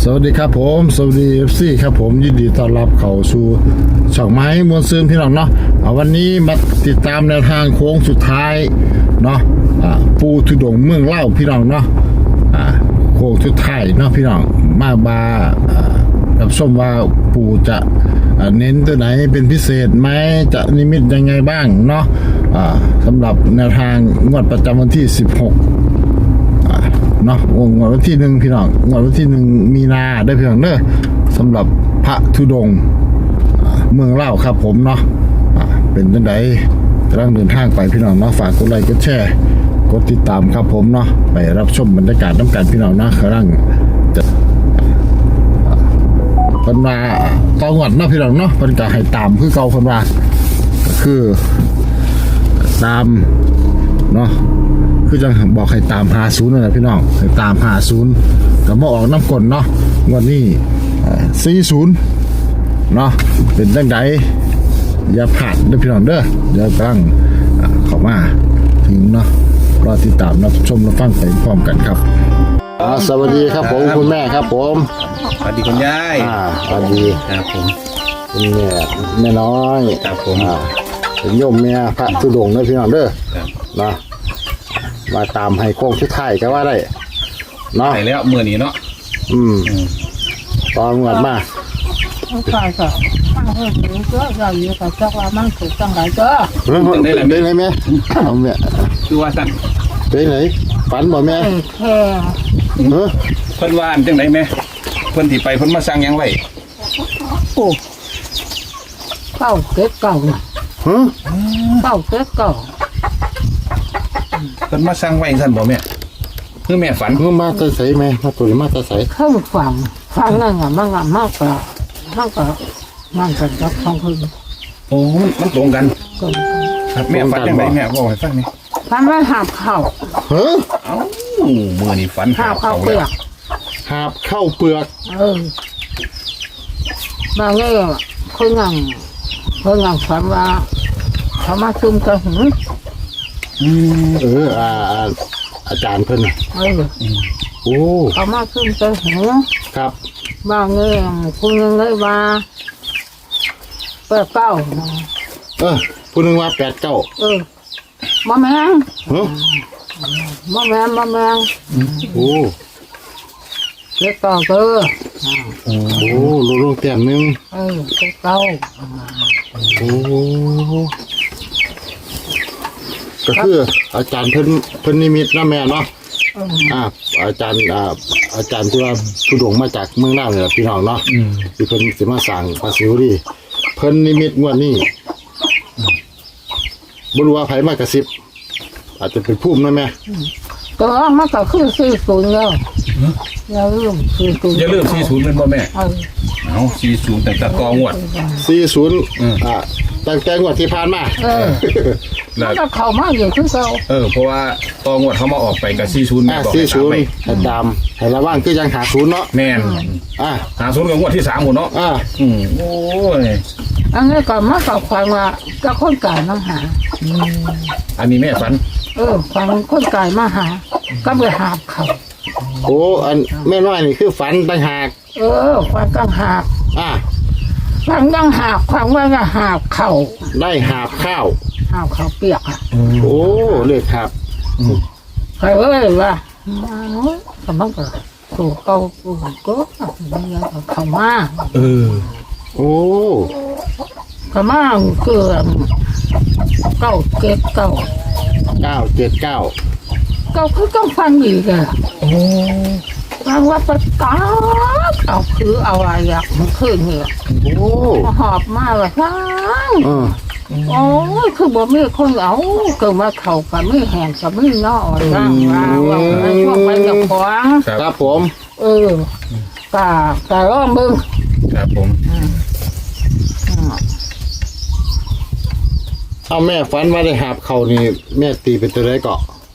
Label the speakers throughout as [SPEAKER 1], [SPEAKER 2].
[SPEAKER 1] สวัสดีครับผมสวัสดี FC ครับผมยินดีต้อนรับเข้าสู่ช่องไม้มวลซืนพี่น้องเนาะวันนี้มาติดตามแนวทางโค้งสุดท้ายเนาะปูทุดงเมืองเล่าพี่น้องเนาะโค้งสุดท้ายเนาะพี่น้องมารับชมว่าปูจะเน้นตัวไหนเป็นพิเศษไหมจะนิมิตยังไงบ้างเนาะสำหรับแนวทางงวดประจำวันที่16เนาะงวดวันที่1พี่น้องงวดวันที่1มีนาได้พี่น้องเด้อสำหรับพระธุดงค์เมืองเล่าครับผมเนาะเป็นจังได๋กำลังเดินทางไปพี่น้องเนาะฝากกดไลค์กดแชร์กดติดตามครับผมเนาะไปรับชมบรรยากาศน้ำกันพี่น้องเนาะกำลังจะเพิ่นมาต่องวดเนาะพี่น้องเนาะเพิ่นก็ให้ตามคือเก่าเพิ่นว่าก็คือตามเนาะคือจังบอกให้ตาม50นั่นแหละพี่น้องให้ตาม50ก็มาออกน้ำกลเนาะงวดนี้40เนาะเป็นจังไดอย่าพลาดเด้อพี่น้องเด้อเดี๋ยวกำลังเข้ามาถึงเนาะรอติดตามรับชมรับฟังไปพร้อมกันครับสวัสดีครับผมคุณแม่ครับผม
[SPEAKER 2] สวัสดีคุณยาย
[SPEAKER 1] สวัสดี
[SPEAKER 2] ครับผม
[SPEAKER 1] คุณแม่น้อย
[SPEAKER 2] ครับผม
[SPEAKER 1] เป็นโยมแม่พระธุดงค์เด้อพี่น้องเด้อเนาะมาตามให้โค้งชุดไทยก็ว่าได้เนาะ
[SPEAKER 2] ไปแล้วเมื่อนี้เนาะ
[SPEAKER 1] ตอนงวดมา
[SPEAKER 3] ใช่ค่ะก็เราอยู่กับเจ้าว่ามันถูกต้องหลายก็
[SPEAKER 1] ได้ไหมแม่เอาแม่
[SPEAKER 2] คือว่าสั่น
[SPEAKER 1] ได้ไหนฝันบ่แม่
[SPEAKER 3] แค่
[SPEAKER 2] เพิ่นว่าจังได๋แม่เพิ่นสิไปเพิ่นมาสั่งหยังไว้
[SPEAKER 3] โอ้เก้าเก็บเก่าเก้าเก็บเก่า
[SPEAKER 2] เพิ่นมาสั่งไว้ซั่นบ่แม่คือแม่ฝัน
[SPEAKER 1] คือมาตะไสแม่มาตัวมาตะไส
[SPEAKER 3] เข้าฟังนั่นมันมากกว่ามันกันกับของเพิ่น
[SPEAKER 2] โอ้มันตรงกันครับแม่ฝันจังได๋แม่บอกให้ฟังนี่
[SPEAKER 3] ฟันว่าหาบข้าว
[SPEAKER 1] เ
[SPEAKER 2] อ้ามื้อนี้ฝัน
[SPEAKER 3] หาบข้าวเปลือก
[SPEAKER 1] หาบข้าวเปลือก
[SPEAKER 3] บางเรื่องคนงานฝันว่าเขามาซุ่มกระหึ่ม
[SPEAKER 1] อาจารย์เพิ่นโอ้
[SPEAKER 3] เขามาซุ่มกระหึ่ม
[SPEAKER 1] ครับ
[SPEAKER 3] บางเรื่องคุณยังเลยว่า89
[SPEAKER 1] ผู้นึงว่า89
[SPEAKER 3] บ่แม่นบ่แม่น
[SPEAKER 1] โอ้
[SPEAKER 3] เก็บเก่า
[SPEAKER 1] โอ้ลงเตียมนึง
[SPEAKER 3] เก็บเก่า
[SPEAKER 1] โอ้ก็คืออาจารย์เพิ่นนิมิตนะแม่เนาะอาจารย์ที่ว่าธุดงค์มาจากเมืองน่านนี่แหละพี่น้องเนาะที่เพิ่นสิมาสร้างพระศิวลีเพิ่นนิมิตงวดนี้บ่รู้ว่าไผมากระซิบอาจจะเป็นภูมินะแม่
[SPEAKER 3] ก็มันก็คือ40แล้วอย่าลืม40
[SPEAKER 2] อย่าลืม40เป็นบ่แม่เอา40ตั้งแต่กองวด
[SPEAKER 1] 40ตั้งแต่งวดที่ผ่านมา
[SPEAKER 3] แล้วก็เข้ามาอยู่คือเก่า
[SPEAKER 2] เพราะว่าตองวดเขามาออกไปกับ40แม่บอก
[SPEAKER 1] 40ให้ตามให้ระวังคือยัง50เนาะ
[SPEAKER 2] แม่น50กับงวดที่3พุ่นเนาะโอ้ย
[SPEAKER 3] อันนี้ก็มากับความว่าจะคนกายมาหา
[SPEAKER 2] อันนี้แม่ฝัน
[SPEAKER 3] ฟังคนกายมาหาก็ไปหาเขา
[SPEAKER 1] โอ้อันแม่น้อยนี่คือฝันต่างหาก
[SPEAKER 3] ฟังต่างหากฟังต่างหากฟังว่าจะหาเขา
[SPEAKER 1] ได้หาบข้าว
[SPEAKER 3] เปียก
[SPEAKER 1] โอ้เลยครับ
[SPEAKER 3] ใครว่าสมังก็ถูกเขาก็เขามา
[SPEAKER 1] โอ้
[SPEAKER 3] เขามาเกือบ979ก็คือต้องฟังอีกฟังว่าประกาศเอาคือเอาอะไรมันขึ้นเนี่ยหอบมาเลยฟังโอ้ยคือบ่มีคนเอาเกิดมาเขากับไม่แห้งกับไม่นอกร่างว่าพวกมันจะขวาง
[SPEAKER 1] ครับผม
[SPEAKER 3] กะร้องมึง
[SPEAKER 2] ครับผม
[SPEAKER 1] เอาแม่ฝันว่าได้หาบเขานี่แม่ตีเป็นตัวไรเกาะ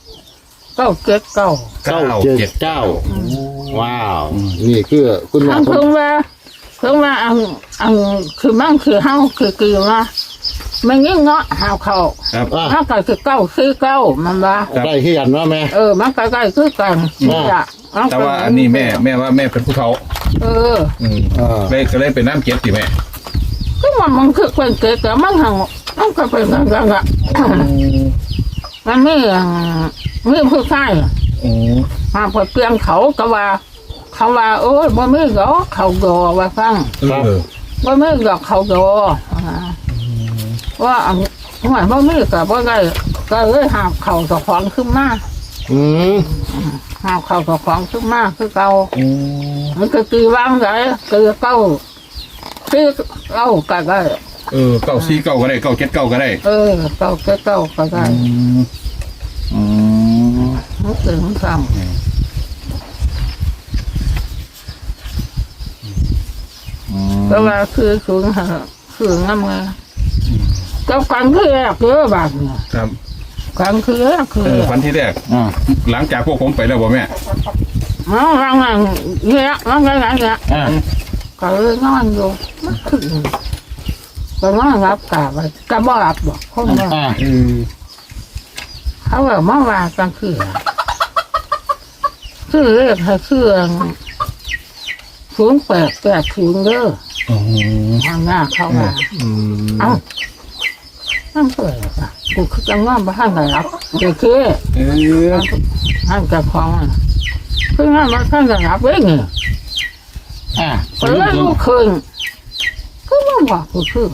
[SPEAKER 3] 979
[SPEAKER 1] ว้าวนี่คือคุณแม่
[SPEAKER 3] เพิ่งว่าอันคือมั่งคือเฮาคือว่ามันงี้เงาะหาเขาถ้าเกิดคือ949มันว่า
[SPEAKER 1] ได้ที่กันว่าแม่
[SPEAKER 3] มันใกล้ๆคือกัน
[SPEAKER 2] แต่ว่าอันนี้แม่ว่าแม่เป็นผู้เฒ่าเลยก็เลยเป็นน้ำเก็บสิแม่
[SPEAKER 3] ก็มันคือเป็นเกิดแต่มันห่างมันก็เป็นกันละมันไม่ผู้ชายมาพอเปลี่ยนเขาก็ว่าเขาว่าโอ้ยบ่ไม่หรอกเขาโดว่าฟังบ่ไม่หรอกเขาโดว่าหวยบ่ไม่กับบ่ได้ก็เลยหาเขาตะของขึ้นมาหาเขาตะของขึ้นมาคือเก่ามันก็ตีวางไงคือเก่าคือเก่าก็ได้
[SPEAKER 2] เก้าสี่เก้าก็ได้เก้าเจ็ดเก้าก็ได้
[SPEAKER 3] เก่าก็เก่าก็ได้มันถึงซ้ำก็ว่าคือสูงหาคือน้ำเงาเจ้ากันคือแรกเยอะบาทเนี่ย
[SPEAKER 2] ครับ
[SPEAKER 3] กันคือแรกคือ
[SPEAKER 2] วันที่แรกหลังจากพวกผมไปแล้วบ่แม่
[SPEAKER 3] รังเงี้ยรังเงี้ยก็เลยนอนอยู่ไม่ถึงก็นอนรับกาไปก็บ่รับบอกคนว่าเขาแบบเมื่อวานกลางคืนคือเรียกให้เครื่อง0880เด้อทางหน้าเขาว่าเอ้านั่นเปิดอ่ะกูคือจังว่าบ้านไหนรับเด็กคือท่านจะคล้องคืองานมาท่านจะรับเว้ยไงก็เลยลูกคืนก็ว่าบอกกูคือ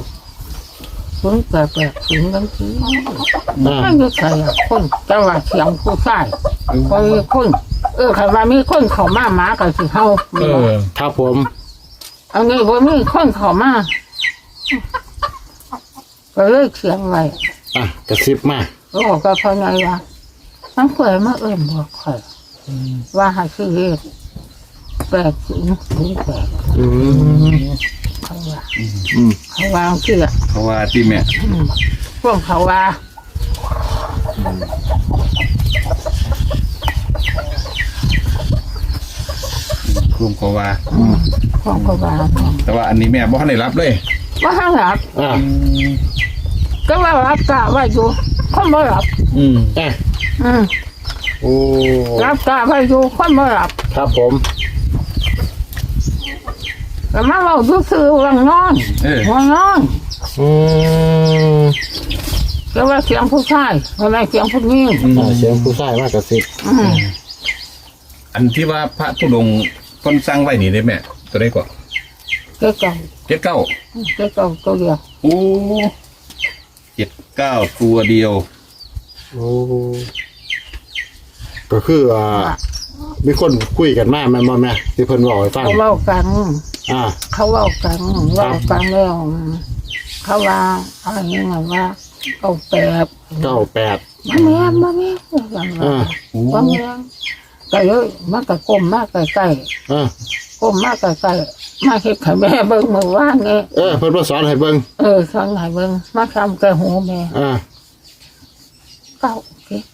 [SPEAKER 3] 0880นั่นคือนั่นก็ใครคนแต่ว่าเสียงผู้ชายคนใครว่ามีคนเข้ามาหมากับสิเฮา
[SPEAKER 1] ครับผม
[SPEAKER 3] อันนี้ว่ามีคนเข้ามาก็เลยเขียนไว้
[SPEAKER 1] กระซิบมา
[SPEAKER 3] ก็พอไงวะมันเคยมาบอกใครว่าให้ซื้อเลข8008เขาว่าเชื่อ
[SPEAKER 2] เขาว่าที่แม่
[SPEAKER 3] พวกเขาว่า
[SPEAKER 2] คุมเขาว่า
[SPEAKER 3] แต่
[SPEAKER 2] ว่าอันนี้แม่บ่ทันได้รับเลย
[SPEAKER 3] บ่ทันรับก็ว่ารับกะว่าอยู่คนบ่รับ
[SPEAKER 1] โอ้
[SPEAKER 3] รับกะว่าอยู่คนบ่รับ
[SPEAKER 1] ครับผม
[SPEAKER 3] แต่มาเราซื้อวังนอนก็ว่าเสียงผู้ชายอะไรเสียงผู้หญิง
[SPEAKER 1] เสียงผู้ชายมากกระซิบ
[SPEAKER 2] อันที่ว่าพระธุดงค์คนสร้างไว้นี่ได้แม่ตัวได้ก่อน
[SPEAKER 3] 79ตัวเดียว
[SPEAKER 2] โอ้79ตัวเดียว
[SPEAKER 1] โอ้ก็คือมีคนคุยกันมากแม่แม่ที่เพิ่นบอกให้ฟัง
[SPEAKER 3] เขาเล่ากันเขาเล่ากันแล้วเขาว่าอะไรเงี้ยว่า98มาแม่ก็เลยมันก็ก้มมากใกล้ก้มมากใกล้มาเห็นให้แม่เบิ่งเมื่อวานไง
[SPEAKER 1] เพิ่นมาสอนให้เบิ่ง
[SPEAKER 3] สอนให้เบิ่งมาทำแกหูแม่เก้า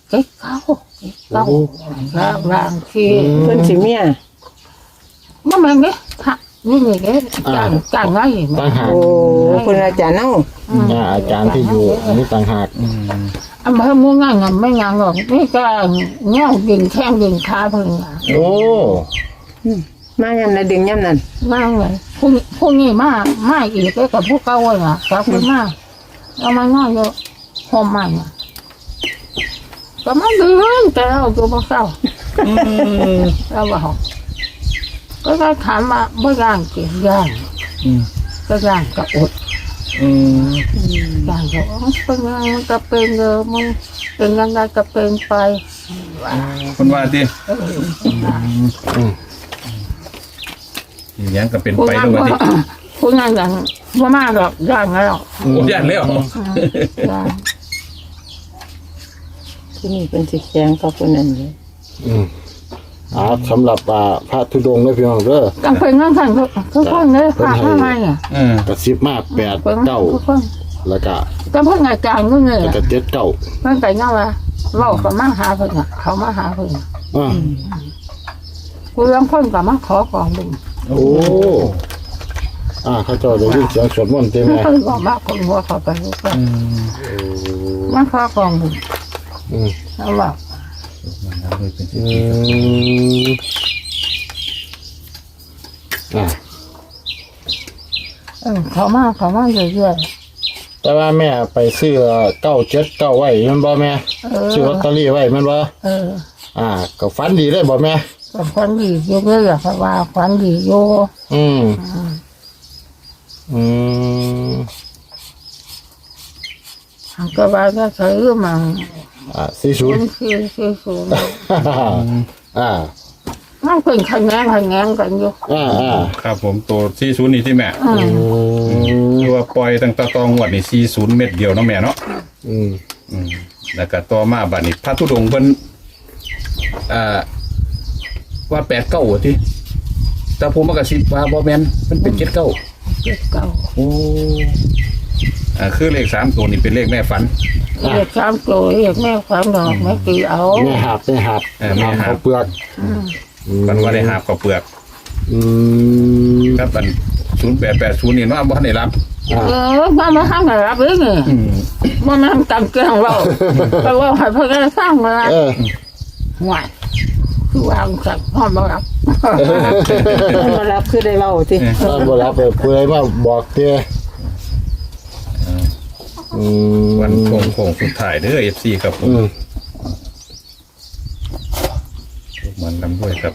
[SPEAKER 3] บางที
[SPEAKER 4] เพิ่นสิเมีย
[SPEAKER 3] มันมันเนี่ยนี่ไงจางไง
[SPEAKER 4] โอ้คุณอาจารย์เนาะ
[SPEAKER 1] อาจารย์ที่อยู่อันนี้ต่างหาก
[SPEAKER 3] อันเพิ่มมุ่งง่ายเงินไม่งานหรอกนี่ก็เงี้ยดึงแข้งดึงขาเพิ่ง
[SPEAKER 1] โอ้
[SPEAKER 4] มาย่ำนะดึงย่ำนั่น
[SPEAKER 3] มาเลยพวกนี้มาอีกกับพวกเก่าเลยอ่ะกับพวกมาเอามาง่ายเยอะหอมมันก็มาดึงแต่เราตัวพวกเก่าเราบอกก็ได้ถามว่าไม่ย่างเกี่ยย่างก็ย่างกับอดย่างก็เป็นยังไงก็เป็นมึงเป็นยังไงก็เป็นไป
[SPEAKER 2] คนว่าดิยังก็เป็นไปด้วยดิ
[SPEAKER 3] คุณงานอย่างว่ามาหรอกย่างแล้ว
[SPEAKER 2] ย่างแล้ว
[SPEAKER 4] ที่นี่เป็นสีแดงกับคนนั้นเลย
[SPEAKER 1] สำหรับพระธุดงค์เลยพี่น้องเด้อ
[SPEAKER 3] จังเป็นงั้นท่านทุกคนเลยพระทำไม
[SPEAKER 1] กระซิบมาก8 9แล้วก็
[SPEAKER 3] ก็เพิ่งอาจารย์ก็เงย
[SPEAKER 1] แล้วก็7 9
[SPEAKER 3] เพิ่งแต่เงาว่าเราก็มาหาเพิ่งเขามาหาเพิ่งกูยังเพิ่งกับมาขอของมึง
[SPEAKER 1] โอ้เขาเจ้าได้ยินเสียงสวดมนต์ใช่ไหม
[SPEAKER 3] เพิ่งบอกมาคนหัวเขาไปรู้ป่ะมาขอของมึงแล้วบอก
[SPEAKER 1] อ่า
[SPEAKER 3] เขามาเรื่อย
[SPEAKER 1] แต่ว่าแม่ไปซื้อ979ไว้แมันบ่แม่ซื้อลอตเตอรี่ไว้แมันบ่
[SPEAKER 3] ๆ
[SPEAKER 1] ก็ฝันดีเลยบ่แม่
[SPEAKER 3] ก็ควันดีอยู่เลยเพราะว่าควันดีอยู่
[SPEAKER 1] อืมอืม
[SPEAKER 3] ก็ว่าก็ซื้อมา
[SPEAKER 1] 40
[SPEAKER 3] คือ มันเป็นขันแงกันอยู่
[SPEAKER 2] ครับผมตัว40นี่ที่แม่คือว่าปล่อยตั้งแต่ตองวดนี่40เม็ดเดียวเนาะแม่เนาะแล้วก็ต่อมาบัดนี้พระธุดงค์เพิ่นว่า89ว่าติแต่ผมมากระซิบว่าบ่แม่นมันเป็น79
[SPEAKER 3] เก่า
[SPEAKER 2] โอ้คือเลข3ตัวนี่เป็นเลขแม่ฝัน
[SPEAKER 3] เรียกสามตัวเรียกแม่ความดอกแม่ตีเอา
[SPEAKER 1] แม่หับแม่หับ
[SPEAKER 2] แม่หับ
[SPEAKER 1] เขาเปลือก
[SPEAKER 2] ฝันว่าได้หาบข้าวเปลือก
[SPEAKER 1] อืม
[SPEAKER 2] ครับอัน0880นี่เนาะบ่ทันได้รับ
[SPEAKER 3] มาทำอะไรรับเลยไงมาทำจำเกลียงเราแต่ว่าให้พ่อแกสร้างมา ห่วยคือวางสักพ่อมารับ
[SPEAKER 4] มารับคือได้เว้าติ
[SPEAKER 1] บ่รับเพื่อมาบอกเตี้ย
[SPEAKER 2] วันโค้งสุดท้ายเด้อ FC ครับผมมันนำด้วยครับ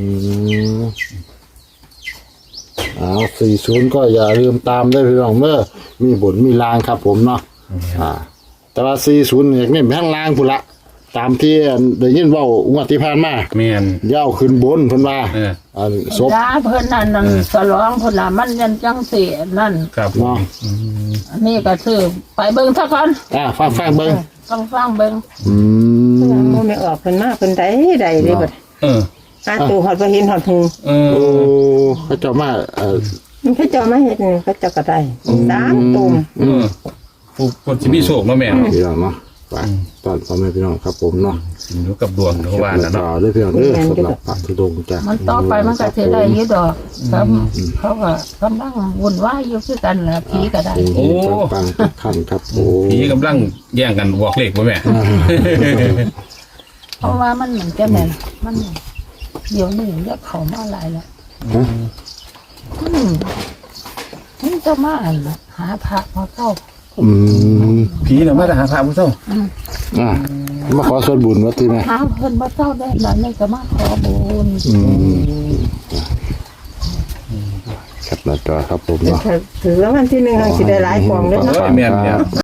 [SPEAKER 1] 40ก็อย่าลืมตามได้พี่น้องเมื่อมีบนมีลางครับผมเนาะแต่ว่า40เนี่ยนี่แม่งลางพุ่นละตามที่ได้ยินเว้างวดที่ผ่านมา
[SPEAKER 2] แม่น
[SPEAKER 1] ย่าวขึ้นบนเพิ่นว่าศพ
[SPEAKER 3] ยาเพิ่นนั่นสลองเพิ่นน่ะมันยันจังเสียนั่น
[SPEAKER 2] ครับผม
[SPEAKER 1] เนาะ
[SPEAKER 3] อันนี้ก็คือไปเบิ่งซะก่อน
[SPEAKER 1] ฟังเบิ่ง
[SPEAKER 3] ต้องฟังเบิ่ง
[SPEAKER 4] บ่แม่ออกเพิ่นมาเพิ่นได้เลยบัด หาตัวหอดบ่เห็นหอดหู
[SPEAKER 1] โอ้เขาเจ้ามา
[SPEAKER 4] มันเขาเจ้ามาเฮ็ดนี่เขาเจ้าก็ได้3ตุ่ม
[SPEAKER 2] ผู้คนสิมีโชคเนาะแม่
[SPEAKER 1] พี่น้องเนาะฝากตอนพ่อแม่พี่น้องครับผมเนาะ
[SPEAKER 2] อยู่กับดวงเขาว่าน่ะเนาะ
[SPEAKER 1] ด้วยพี่น้องเด้อสำหรับพระธุดงค์จ้ะ
[SPEAKER 3] มันต่อไปมันก็สิได้อยู่ดอกครับเขาก็กำลังวุ่นวายอยู่คือกันแหละผีก็ได้
[SPEAKER 1] ปังขั้นครับโอ้
[SPEAKER 2] ผีกำลังแย่งกันบอกเลขบ่แม่
[SPEAKER 3] เพราะว่ามันเหมือนจะแม่นมันเดี๋ยวนี้เรียกเขามาหลายแล้วมันจะมาหาพระมาเข้า
[SPEAKER 2] ผีน่ะมาหาพระผู้เฒ่า
[SPEAKER 1] มาขอส่วนบุญวัดที่แม่
[SPEAKER 3] หาเพิ่นมาเข้าได้แล้วนี่ก็มาขอบุญ
[SPEAKER 1] ครับหน้าจอครับผมเนาะ
[SPEAKER 4] ถือว่าวันที่1สิได้หลายกล่องเด้อเนาะ
[SPEAKER 2] แม่นเนี่ย